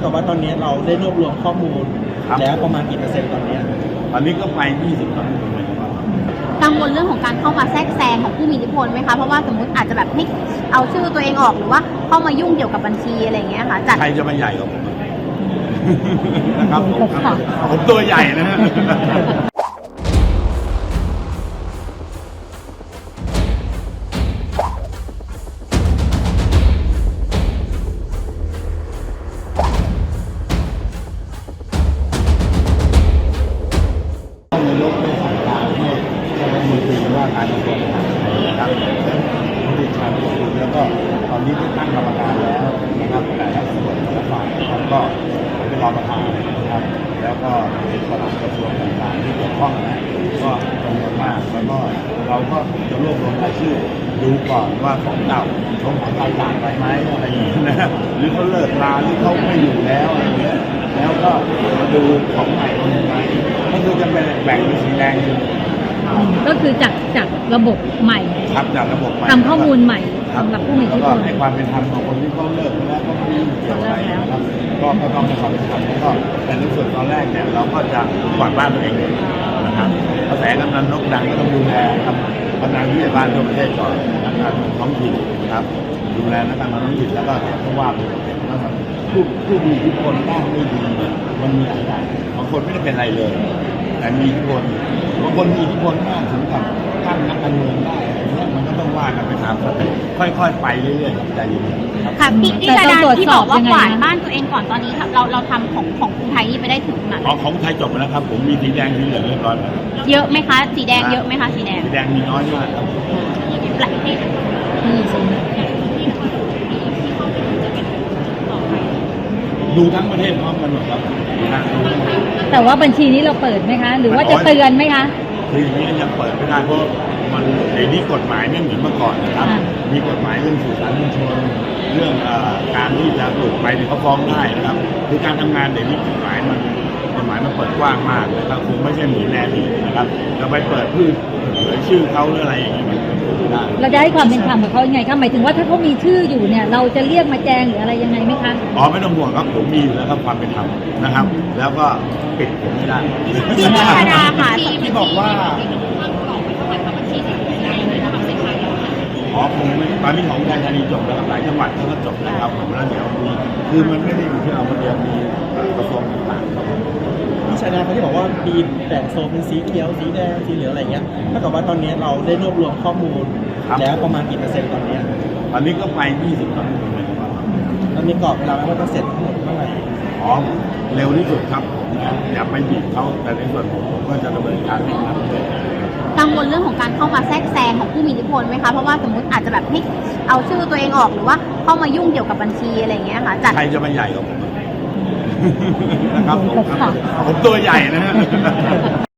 กับว่าตอนนี้เราได้รวบรวมข้อมูลแล้วประมาณกี่เปอร์เซ็นต์ตอนนี้ก็ไป20%เลยครับกังวลเรื่องของการเข้ามาแทรกแซงของผู้มีอิทธิพลไหมคะเพราะว่าสมมติอาจจะแบบให้เอาชื่อตัวเองออกหรือว่าเข้ามายุ่งเกี่ยวกับบัญชีอะไรอย่างเงี้ยค่ะจัดใครจะมาใหญ่กว่าผมนะครับผมตัวใหญ่นะฮะนายกได้สั่งการให้คณะรัฐมนตรีว่าการกระทรวงมหาดไทยนะครับผู้ชาญแล้วก็ตอนนี้ได้ตั้งกรรมการแล้วนะครับแต่ละส่วนแต่ละฝ่ายนะครับก็เป็นรองประธานนะครับแล้วก็เป็นปลัดกระทรวงต่างๆที่เกี่ยวข้องนะก็จำนวนมากแล้วก็เราก็จะรวบรวมรายชื่อดูก่อนว่าของเก่าเขาหายต่างไปไหมอะไรอย่างนี้นะหรือเขาเลิกลาหรือเขาไม่อยู่แล้วอะไรอย่างเงี้ยแล้วก็มาดูของใหม่เป็นยังไงก็คือจะเป็นแบ่งเป็นสีแดงก็คือจากระบบใหม่ครับจากระบบใหม่ทำข้อมูลใหม่สำหรับผู้มีอิทธิพลในความเป็นธรรมของคนที่เขาเลิกไปแล้วก็ไม่ยุ่งเกี่ยวอะไรนะครับก็ต้องในความเป็นธรรมแล้วก็แต่ในส่วนตอนแรกเนี่ยเราก็จะกวาดบ้านตัวเองเลยนะครับกระแสกำนันนกดังก็ต้องดูแลครับกำนันที่บ้านทั่วประเทศก่อนนักการท้องถิ่นครับดูแลนักการท้องถิ่นแล้วก็ต้องว่าไปนะครับผู้มีอิทธิพลบ้างไม่ดีเนี่ยมันมีหลายอย่างบางคนไม่ได้เป็นอะไรเลยแต่มีอิทธิพลบางคนมีอิทธิพลมากถึงกับตั้งนักการเมืองได้มันก็ต้องว่ากันไปตามสเต็ปค่อยๆไปเรื่อยๆใจเย็นๆค่ะพี่ดาดาที่บอกว่ากวาดบ้านตัวเองก่อนตอนนี้เราทำของกรุงไทยนี่ไปได้ถึงไหนของไทยจบแล้วครับผมมีสีแดงสีเหลืองเรียบร้อยแล้วเยอะไหมคะสีแดงเยอะไหมคะสีแดงมีน้อยมากครับดูทั้งประเทศพร้อมกันหมดครับแต่ว่าบัญชีนี้เราเปิดไหมคะหรือว่าจะเตือนไหมคะคืออย่างนี้ยังเปิดไม่ได้เพราะมันเดี๋ยวนี้กฎหมายไม่เหมือนเมื่อก่อนนะครับมีกฎหมายเรื่องสื่อสารมวลชนเรื่องการที่จะหลุดไปเนี่ยเขาฟ้องได้นะครับคือการทำงานเดี๋ยวนี้กฎหมายมันเปิดกว้างมากนะครับคงไม่ใช่เหมือนแน่ดีนะครับจะไปเปิดเผยชื่อเขาหรืออะไรอย่างนี้มันไม่ได้เราจะให้ความเป็นธรรมกับเขายังไงคะหมายถึงว่าถ้าเขามีชื่ออยู่เนี่ยเราจะเรียกมาแจ้งหรืออะไรยังไงไหมคะไม่ต้องห่วงครับผมมีอยู่แล้วครับความเป็นธรรมนะครับแล้วก็ปิดผมไม่ได้ที่ธรรมดาค่ะที่บอกว่าคงไม่ตอนนี้ของอุทัยธานีจบแล้วหลายจังหวัดเขาก็จบแล้วครับผมแล้วเดี๋ยวมีคือมันไม่ได้อยู่ที่เราคนเดียวมีกระทรวงต่างๆครับพี่ชายนาเขาที่บอกว่ามีแบ่งโซนเป็นสีเขียวสีแดงสีเหลืองอะไรเงี้ยถ้ากับว่าตอนนี้เราได้รวบรวมข้อมูลแล้วประมาณกี่เปอร์เซ็นต์ตอนนี้ก็ไป20%เลยครับตอนนี้กรอบเวลาว่าจะเสร็จเมื่อไหร่เร็วที่สุดครับผมนะอย่าไปบีบเขาแต่ในส่วนผมก็จะดำเนินการให้ทันเลยกังวลเรื่องของการเข้ามาแทรกแซงของผู้มีอิทธิพลไหมคะเพราะว่าสมมติอาจจะแบบให้เอาชื่อตัวเองออกหรือว่าเข้ามายุ่งเกี่ยวกับบัญชีอะไรอย่างเงี้ยค่ะจัดใครจะมาใหญ่กว่าผมนะครับผมตัวใหญ่นะฮะ